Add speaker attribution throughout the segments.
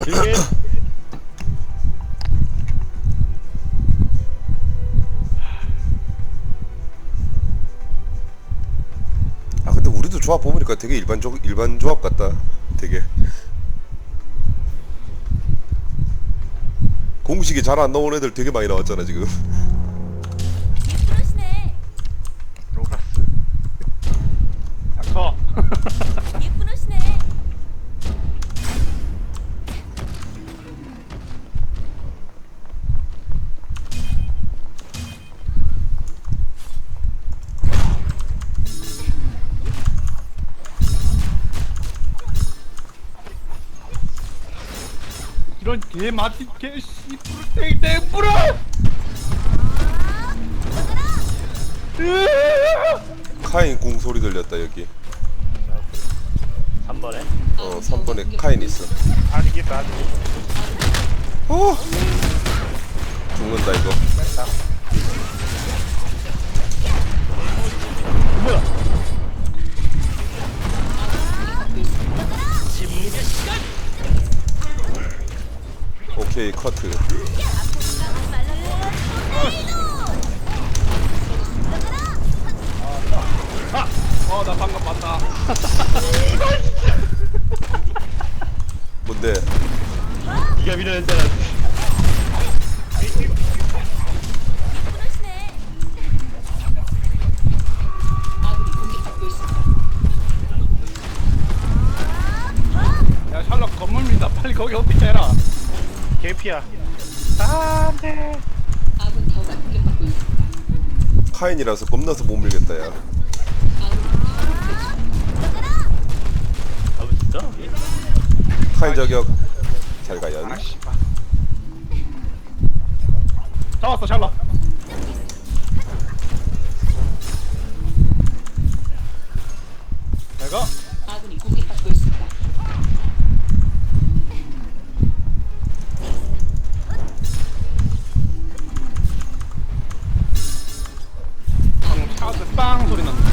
Speaker 1: 즐겨.
Speaker 2: 아 근데 우리도 조합 보니까 되게 일반 조합 같다. 되게 공식이 잘 안 나온 애들 되게 많이 나왔잖아 지금.
Speaker 3: 예쁘시네.
Speaker 1: 로라스. 닥터.
Speaker 3: 예쁘시네.
Speaker 1: 이런 개 마티 개 씨부르 땡뿌르.
Speaker 2: 카인 궁 소리 들렸다 여기.
Speaker 1: 3번에
Speaker 2: 3번에 카인 있어.
Speaker 1: 아니겠다.
Speaker 2: 어 죽는다 이거.
Speaker 1: 뭐야?
Speaker 2: 오케이 커트.
Speaker 1: 나 방금 봤다.
Speaker 2: 뭔데?
Speaker 1: 네가 밀어냈잖아.
Speaker 3: 예쁘시네.
Speaker 1: 야 샬럿 건물 민다. 빨리 거기 어떻게 해라. 개피야. 안돼.
Speaker 4: 아군 타워가 공격받고 있습니다.
Speaker 2: 카인이라서 겁나서 못 밀겠다 야.
Speaker 1: 아 진짜?
Speaker 2: 카인 저격. 잘 가요.
Speaker 1: 씨발. 잡았어 샬럿. 내가
Speaker 4: 아군이 공격받고 있습니다.
Speaker 1: 차스 빵 소리 났는데.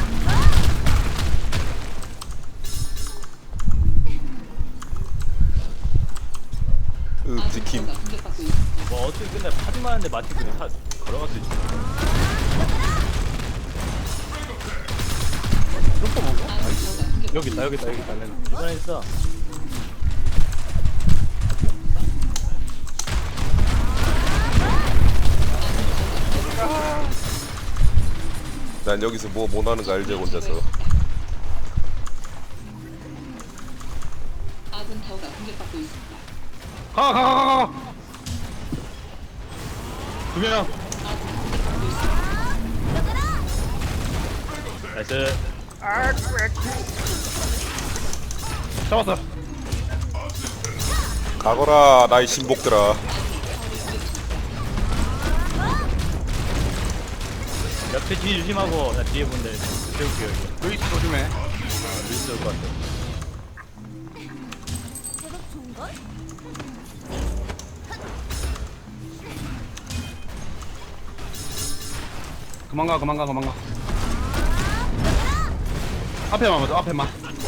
Speaker 2: 지킴.
Speaker 4: 타워가 공격받고 있습니다.
Speaker 5: 뭐 어떻게 끝내 파지만 하는데 마치 그냥 걸어갈 수 있지.
Speaker 1: 슈퍼 먹어?
Speaker 4: 아군 타워가 공격.
Speaker 1: 여기 있다 여기 있다 여기 있다. 렌.
Speaker 5: 이번에 있어.
Speaker 2: 난 여기서 뭐 못하는 거 알지 혼자서.
Speaker 4: 아군 타워가 공격받고 있습니다.
Speaker 1: 가. 두 명.
Speaker 4: 아군이 공격받고 있습니다.
Speaker 5: 나이스.
Speaker 1: 잡았어.
Speaker 2: 가거라 나의 신복들아.
Speaker 5: 옆에 뒤 조심하고 나 뒤에 본데 세울게요 여기.
Speaker 1: 루이스 조심해.
Speaker 5: 루이스 올것 같아.
Speaker 3: 제법 좋은 걸?
Speaker 1: 그만 가. 앞에만 맞아 앞에만.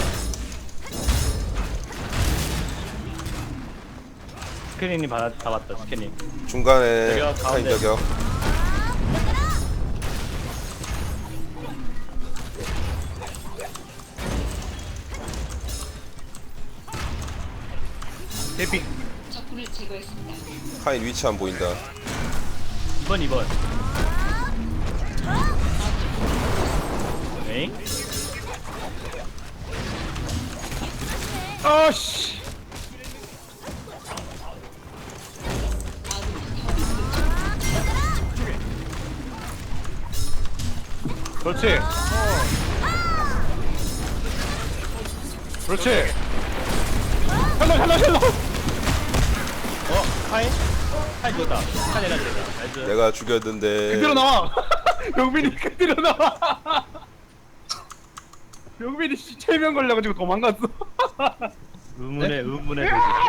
Speaker 5: 스캐닝님 다 봤다 스캐닝.
Speaker 2: 중간에
Speaker 5: 저격,
Speaker 2: 카인
Speaker 5: 가운데.
Speaker 2: 저격.
Speaker 1: 대피.
Speaker 4: 적군을 제거했습니다.
Speaker 2: 카인 위치 안 보인다.
Speaker 5: 2번. 에잉?
Speaker 1: 아씨. 그렇지. 그렇지. 헬로.
Speaker 5: 카인? 카인 죽었다. 카인 내가 죽었다. 나이스.
Speaker 2: 내가 죽였는데.
Speaker 1: 그대로 나와. 영빈이 그대로 나와. 영빈이 씨 체면 걸려가지고 도망갔어.
Speaker 5: 의문의 도시.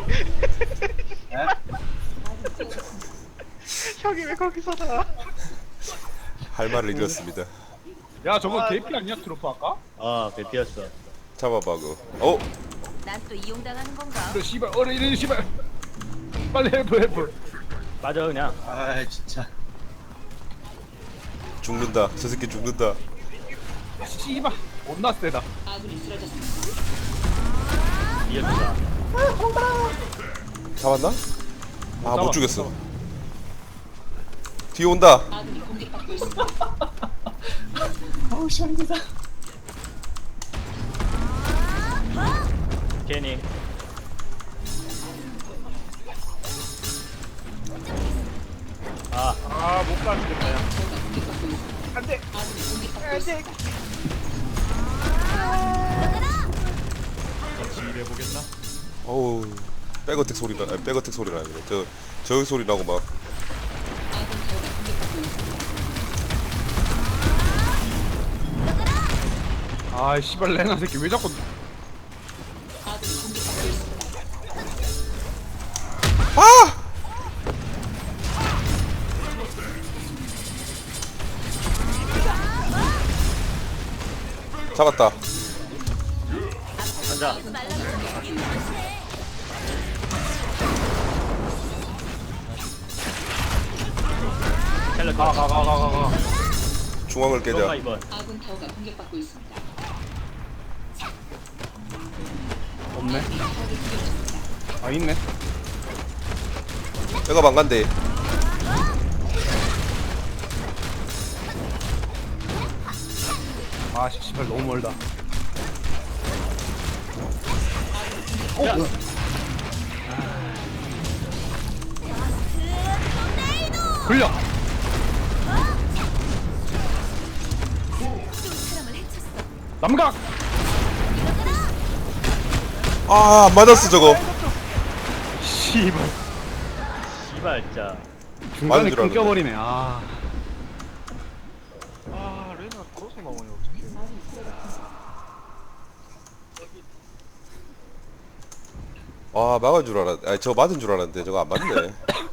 Speaker 1: 형이 왜 거기서 나?
Speaker 2: 할 말을 잃었습니다.
Speaker 1: 야 저거 개피 아니야 트로프 아까?
Speaker 5: 아 배피였어.
Speaker 2: 잡아봐 그. 어?
Speaker 3: 난 또 이용당하는 건가?
Speaker 1: 너 씨발 어려 이래 씨발. 빨리 헬프.
Speaker 5: 맞아 그냥.
Speaker 6: 아 진짜.
Speaker 2: 죽는다. 저 새끼 죽는다.
Speaker 1: 씨발 존나 세다.
Speaker 4: 아군이 쓰러졌습니다.
Speaker 5: 이겼다.
Speaker 2: 잡았나? 아, 못
Speaker 1: 잡았어.
Speaker 2: 죽였어. 뒤에 온다.
Speaker 4: 아군이 공격받고 있습니다.
Speaker 6: 아우 시원하다.
Speaker 5: 괜히.
Speaker 1: 아못 가는데 야.
Speaker 4: 저가 공격받고 있습니다.
Speaker 1: 안돼.
Speaker 4: 아군이 공격받고 있습니다.
Speaker 1: 일해보겠나?
Speaker 2: 어우, 백어택 소리가, 아니, 백어택 소리가 아니네. 저 소리 나고 막.
Speaker 4: 아군 타워가 공격받고 있습니다.
Speaker 1: 아 씨발 레나 새끼 왜 자꾸
Speaker 4: 아군이 공격받고 있습니다.
Speaker 2: 아! 잡았다.
Speaker 5: 앉아. 텔레
Speaker 1: 가가가가가.
Speaker 2: 중앙을
Speaker 5: 너가
Speaker 2: 깨자.
Speaker 5: 이번.
Speaker 4: 아군 타워가 공격받고 있습니다.
Speaker 1: 없네.
Speaker 4: 아군이 타워를 공격합니다.
Speaker 1: 아 있네.
Speaker 2: 내가 망간대.
Speaker 1: 아 씨발 너무 멀다.
Speaker 5: 야.
Speaker 1: 굴려.
Speaker 3: 사람을 해쳤어.
Speaker 1: 남각.
Speaker 2: 아, 안 맞았어, 저거.
Speaker 1: 씨발.
Speaker 5: 씨발 진짜.
Speaker 1: 중간에
Speaker 2: 맞은 줄 알았네.
Speaker 1: 끊겨버리네. 아.
Speaker 7: 아 레나 거기서 나오네 어떡해.
Speaker 2: 아, 막은 줄 알았, 아니, 저거 맞은 줄 알았는데, 저거 안 맞네.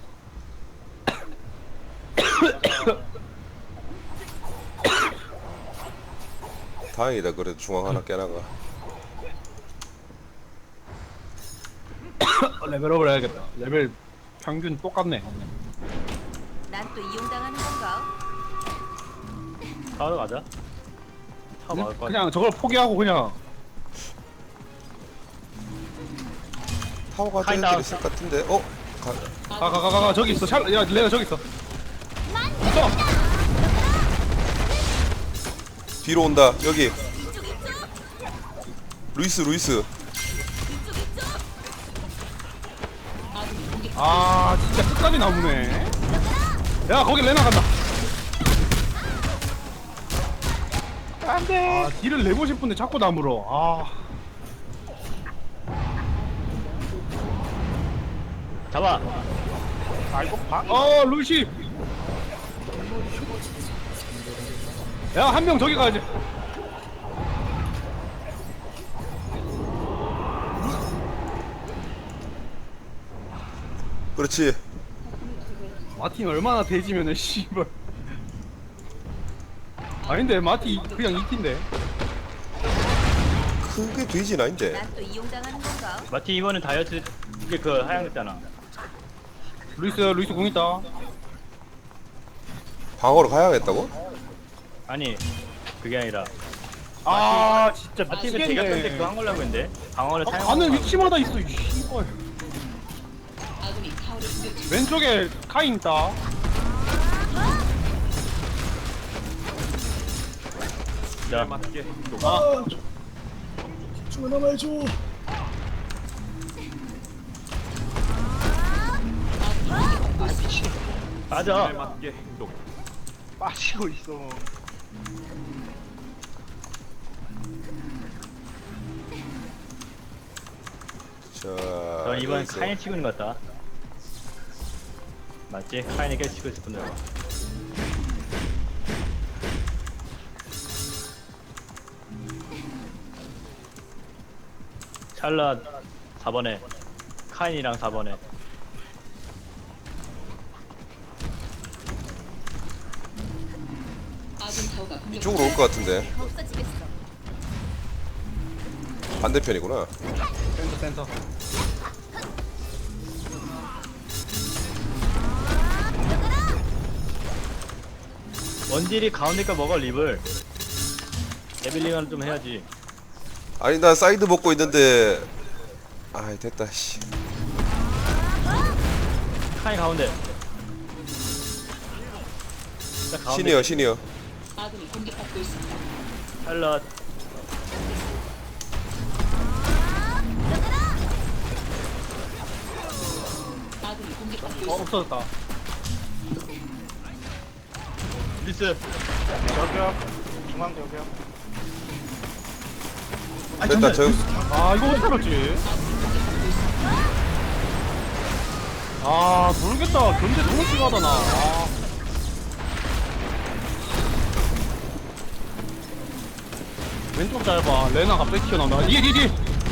Speaker 2: 다행이다, 그래도 중앙 하나 깨나가.
Speaker 1: 레벨업을 해야겠다. 레벨 평균 똑같네.
Speaker 3: 난 또 이용당하는 건가?
Speaker 5: 타워 가자. 타워 막을 거야.
Speaker 1: 그냥 저걸 포기하고 그냥
Speaker 2: 타워가
Speaker 5: 카인
Speaker 2: 저기들
Speaker 5: 다운.
Speaker 2: 있을 것 같은데, 어?
Speaker 1: 가가가가 저기 있어. 야 레나 저기 있어. 있어.
Speaker 2: 뒤로 온다, 여기.
Speaker 3: 이쪽 이쪽
Speaker 2: 루이스.
Speaker 3: 이쪽 이쪽.
Speaker 4: 아군이 공격.
Speaker 1: 아 진짜 끝까지 나무네. 야 거기 레나 간다. 안돼. 아 딜을 내고 싶은데 자꾸 나물어. 아.
Speaker 5: 잡아.
Speaker 1: 아이고 루시. 야 한 명 저기 가야지.
Speaker 2: 그렇지.
Speaker 1: 마틴 얼마나 대지면은 씨발. 아닌데 마티 그냥 2티인데.
Speaker 2: 크게 되진 아닌데.
Speaker 3: 난 또 이용당하는 건가?
Speaker 5: 마티 이번엔 다이어트 이게 그 하얀 거잖아.
Speaker 1: 루이스 공 있다.
Speaker 2: 방어로 가야겠다고?
Speaker 5: 아니 그게 아니라
Speaker 1: 아 진짜
Speaker 5: 마티 그 제가 근데 그거 한 걸로 했는데 방어를 사용.
Speaker 1: 가는 위치마다 있어 이 씨발.
Speaker 4: 아군이 타워를 공격 중.
Speaker 1: 왼쪽에 카인 있다.
Speaker 5: 자,
Speaker 1: 맞게.
Speaker 6: 하나만 해줘.
Speaker 5: 맞아.
Speaker 1: 맞게 행동.
Speaker 7: 빠지고 있어.
Speaker 2: 자.
Speaker 5: 전 이번
Speaker 2: 여기서.
Speaker 5: 카인 치고 있는 것 같다. 맞지? 카인이 계속 치고 있을 뿐더라 찰나 4번에 카인이랑 4번에
Speaker 4: 아군 타워가 공격.
Speaker 2: 이쪽으로 올 것 같은데.
Speaker 3: 없어지겠어.
Speaker 2: 반대편이구나.
Speaker 1: 센터 센터.
Speaker 5: 원딜이 가운데가 먹어 립을. 데빌링은 좀 해야지.
Speaker 2: 아니 나 사이드 먹고 있는데 아 됐다 씨.
Speaker 5: 카인 가운데. 자, 가운데.
Speaker 2: 신이요.
Speaker 4: 아군이 공격받고 있습니다.
Speaker 5: 샬럿.
Speaker 4: 아군이 공격받고 있습니다.
Speaker 1: 없어졌다.
Speaker 5: 리스.
Speaker 7: 저기요. 중앙 저기요.
Speaker 2: 됐다 저
Speaker 1: 아 이거 어떻게 알았지? 아 모르겠다. 견제 너무 심하다 나. 아. 왼쪽 짧아. 레나 갑자기 튀어나온다. 뒤에.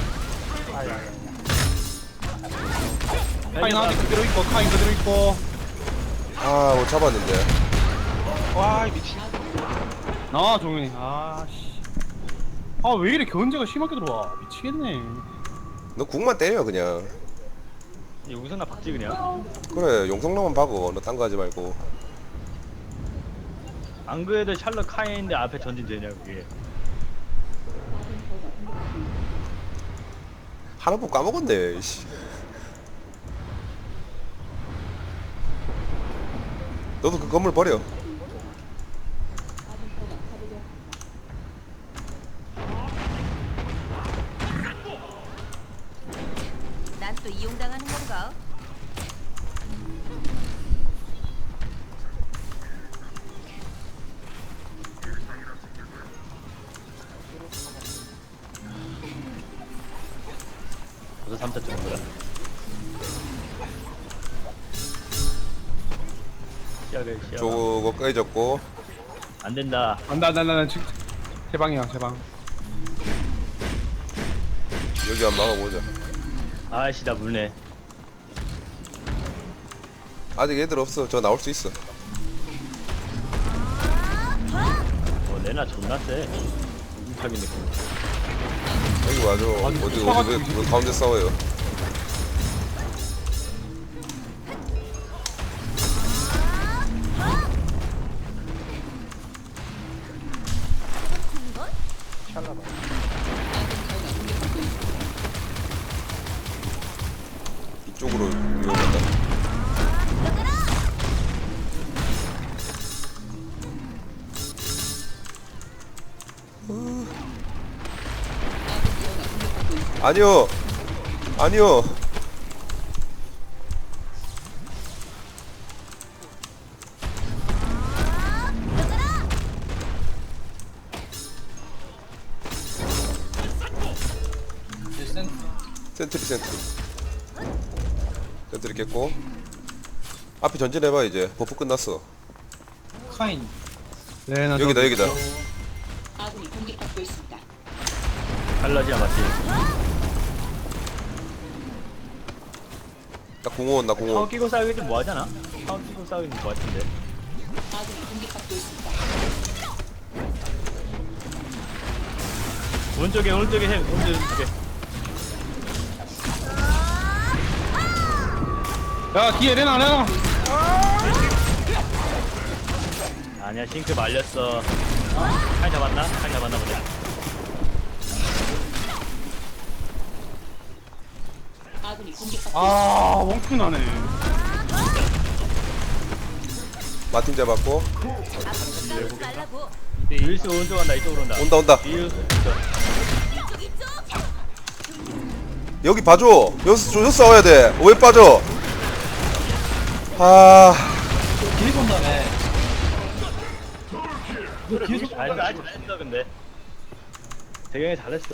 Speaker 1: 카인 아직 그대로 있고 카인 그대로 있고.
Speaker 2: 아, 못 잡았는데.
Speaker 7: 와, 이 미친.
Speaker 1: 나와 종현이. 아씨. 아 왜 이래 견제가 심하게 들어와. 미치겠네.
Speaker 2: 너 국만 때려 그냥.
Speaker 5: 여기서 나 박지 그냥.
Speaker 2: 그래, 용성로만 박어. 너 딴 거 하지 말고.
Speaker 5: 안 그래도 샬럿 카인인데 앞에 전진 되냐 그게.
Speaker 2: 하나 못 까먹었네. 씨. 너도 그 건물 버려.
Speaker 3: 난 또 이용당하는 건가?
Speaker 5: 그래서 3차 정도야. 시작을 시작.
Speaker 2: 저거 깨졌고.
Speaker 5: 안 된다.
Speaker 1: 나 지금 제 방이야 제 방.
Speaker 2: 여기 한번 막아보자.
Speaker 5: 아이씨 나 물네.
Speaker 2: 아직 애들 없어. 저 나올 수 있어.
Speaker 5: 레나 존나 세. 무탑인데.
Speaker 2: 여기 와줘.
Speaker 1: 아니,
Speaker 2: 어디
Speaker 1: 붙어가지고
Speaker 2: 왜 가운데 싸워요. 이쪽으로 위험하다. 아니요. 센트리 깼고. 앞에 전진해봐 이제. 버프 끝났어.
Speaker 6: 카인.
Speaker 1: 레나
Speaker 2: 여기다.
Speaker 4: 아군이 공격받고 있습니다.
Speaker 5: 샬럿이야 맞지?
Speaker 2: 나 공원.
Speaker 5: 타워 끼고 싸우기 좀 뭐하잖아? 타워 끼고 싸우기 좀 뭐같은데.
Speaker 4: 아군이 공격받고 있습니다.
Speaker 5: 오른쪽에 해. 오른쪽에.
Speaker 1: 야 뒤에 레나.
Speaker 5: 아니야 싱크 말렸어. 카인 잡았나 보네.
Speaker 4: 아군이 공격받고
Speaker 1: 아 멍충 나네.
Speaker 2: 마틴 잡았고.
Speaker 3: 앞으로 싸우지 말라고.
Speaker 5: 윌스 오른쪽 간다. 이쪽으로 온다.
Speaker 2: 온다.
Speaker 5: 윌스.
Speaker 3: 이쪽.
Speaker 2: 여기 봐줘. 여기서 싸워야 돼. 왜 빠져? 아,
Speaker 6: 뒤에서 온다며. 너 뒤에서
Speaker 5: 잘했어 근데. 대경이 잘했어.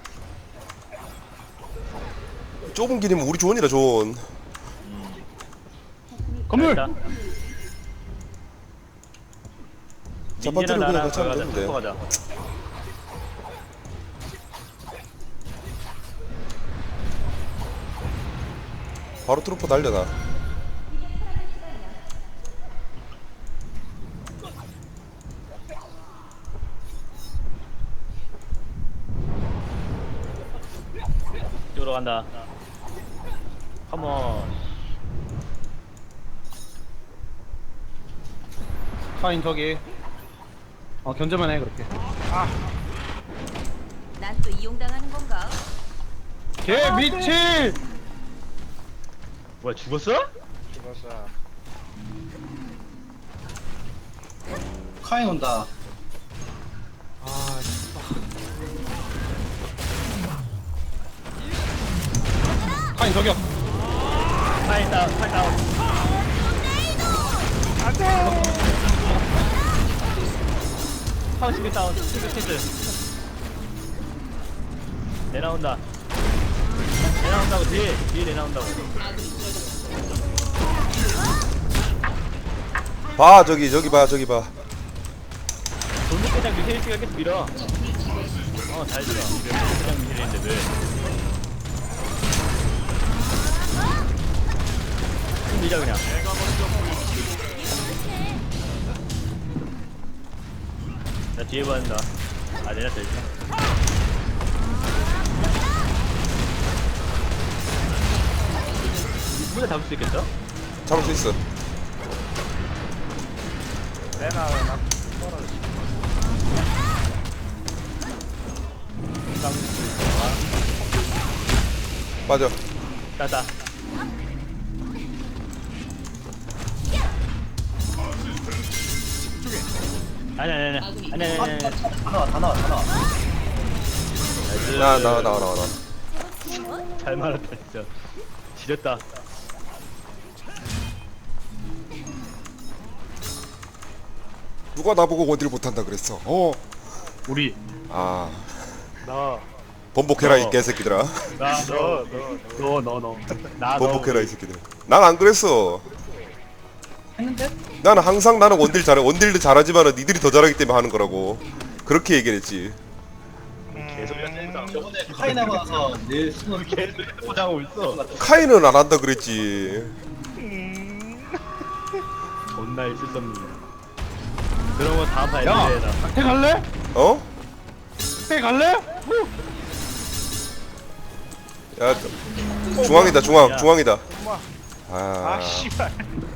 Speaker 2: 좁은 길이면 우리 존이라 존.
Speaker 1: 건물.
Speaker 5: 잘했다.
Speaker 2: 자판대로
Speaker 5: 민지랑
Speaker 2: 그냥
Speaker 5: 나랑
Speaker 2: 같이 하면
Speaker 5: 가자.
Speaker 2: 되는데.
Speaker 5: 가자.
Speaker 2: 바로 트루퍼 달려나.
Speaker 5: 들어간다. 컴온.
Speaker 1: 카인 저기. 견제만 해 그렇게.
Speaker 3: 난 또 이용당하는 건가?
Speaker 1: 개 미친.
Speaker 5: 뭐야 죽었어?
Speaker 7: 죽었어.
Speaker 6: 카인 온다.
Speaker 1: 카인 저격.
Speaker 5: 파인 다운, 파인 다운. 파운 시계 다운, 시계 키스. 내 나온다. 내 나온다고 뒤에 내 나온다고.
Speaker 2: 봐 저기 봐 저기 봐.
Speaker 5: 돌무대장 미세일씨가 계속 밀어. 잘 밀어. 돌무대장 미세일인데 왜? 밀자 그냥. 나 뒤에 봐야 된다. 내렸다 일단. 무대 잡을 수 있겠어?
Speaker 2: 잡을 수 있어.
Speaker 7: 내나 떨어졌어.
Speaker 2: 맞아.
Speaker 5: 따다. 아니.
Speaker 6: 다 나와.
Speaker 2: 나와.
Speaker 5: 잘 말았다 진짜. 지렸다.
Speaker 2: 누가 나보고 원딜 못한다 그랬어.
Speaker 1: 우리.
Speaker 2: 아
Speaker 7: 너.
Speaker 2: 번복해라 이 개새끼들아.
Speaker 1: 너.
Speaker 2: 번복해라 이 새끼들. 난 안 그랬어.
Speaker 6: 했는데?
Speaker 2: 나는 항상 나는 원딜 잘해. 원딜도 잘하지만은 니들이 더 잘하기 때문에 하는 거라고. 그렇게 얘기했지.
Speaker 5: 개소리가 센다.
Speaker 6: 저번에 카인하고 나서 내 수능
Speaker 5: 개소리 포장하고 있어.
Speaker 2: 카이는 안 한다 그랬지.
Speaker 5: 존나 있을 수 없는. 그런 거 다음 판
Speaker 1: 야,
Speaker 5: 애들에다.
Speaker 1: 박태 갈래?
Speaker 2: 어?
Speaker 1: 박태 갈래?
Speaker 2: 야 중앙이다 중앙
Speaker 5: 야.
Speaker 2: 중앙이다.
Speaker 7: 아
Speaker 2: 아
Speaker 7: 씨발.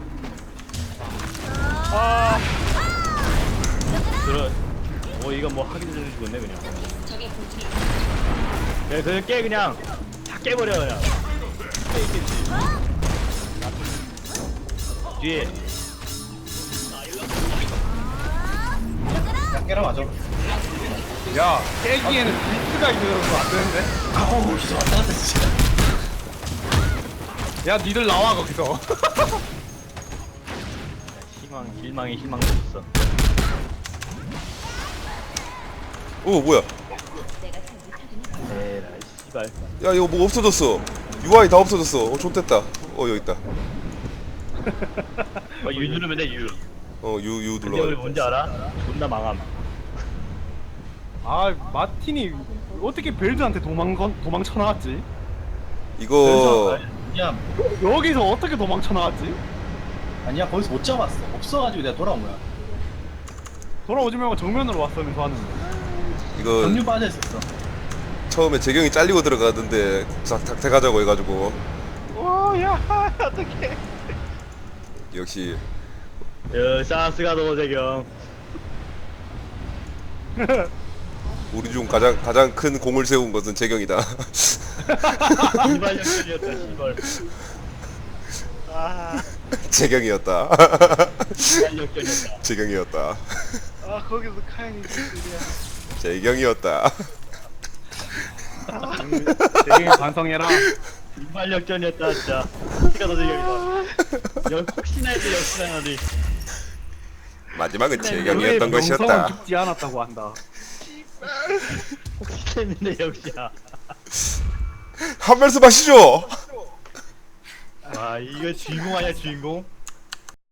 Speaker 5: 들어. 이거 뭐 하기 전에 죽었네 그냥.
Speaker 4: 적의 본진이
Speaker 5: 야, 그냥 깨 그냥 다 깨버려 그냥. 뒤에.
Speaker 6: 야 깨라 맞아.
Speaker 1: 야, 깨기에는 비트가 있어서 안 되는데?
Speaker 6: 아우 진짜 왔다 갔다 진짜.
Speaker 1: 야, 니들 나와 거기서.
Speaker 5: 희망이 없어.
Speaker 2: 오 뭐야?
Speaker 3: 내가 잘 못하긴 해.
Speaker 5: 에라 씨발.
Speaker 2: 야 이거 뭐 없어졌어. UI 다 없어졌어. 좋댔다. 여기 있다.
Speaker 5: 유 누르면 돼 유.
Speaker 2: 유
Speaker 5: 근데 우리
Speaker 2: 눌러.
Speaker 5: 뭔지 알아? 존나 망함.
Speaker 1: 아, 마틴이 어떻게 벨드한테 도망쳐 나왔지?
Speaker 2: 이거
Speaker 6: 야
Speaker 1: 여기서 어떻게 도망쳐 나왔지?
Speaker 6: 아니야 거기서 못 잡았어. 없어가지고 내가 돌아온 거야.
Speaker 1: 돌아오지 말고 정면으로 왔으면서 하는.
Speaker 2: 이거
Speaker 6: 경류 빠져 있었어.
Speaker 2: 처음에 재경이 잘리고 들어가던데 닥터 가자고 해가지고
Speaker 7: 오야 어떡해.
Speaker 2: 역시
Speaker 5: 사스가 도재경.
Speaker 2: 우리 중 가장 큰 공을 세운 것은 재경이다.
Speaker 5: 시발 역전이었다 시발.
Speaker 7: 아
Speaker 2: 재경이었다.
Speaker 5: 시발 역전이었다.
Speaker 2: 재경이었다.
Speaker 7: 거기서 카인이 있으랴.
Speaker 2: 재경이었다.
Speaker 1: 되게 반성해라.
Speaker 5: 시발 역전이었다 진짜. 시가 도재경이다. 혹시나 해도 역시나 하지.
Speaker 2: 마지막은
Speaker 1: 너의
Speaker 2: 재경이었던
Speaker 1: 명성은
Speaker 2: 것이었다.
Speaker 1: 죽지 않았다고 한다.
Speaker 5: 혹시 했는데 역시야.
Speaker 2: 한 말씀 하시죠.
Speaker 5: 와 이거 주인공 아니야 주인공?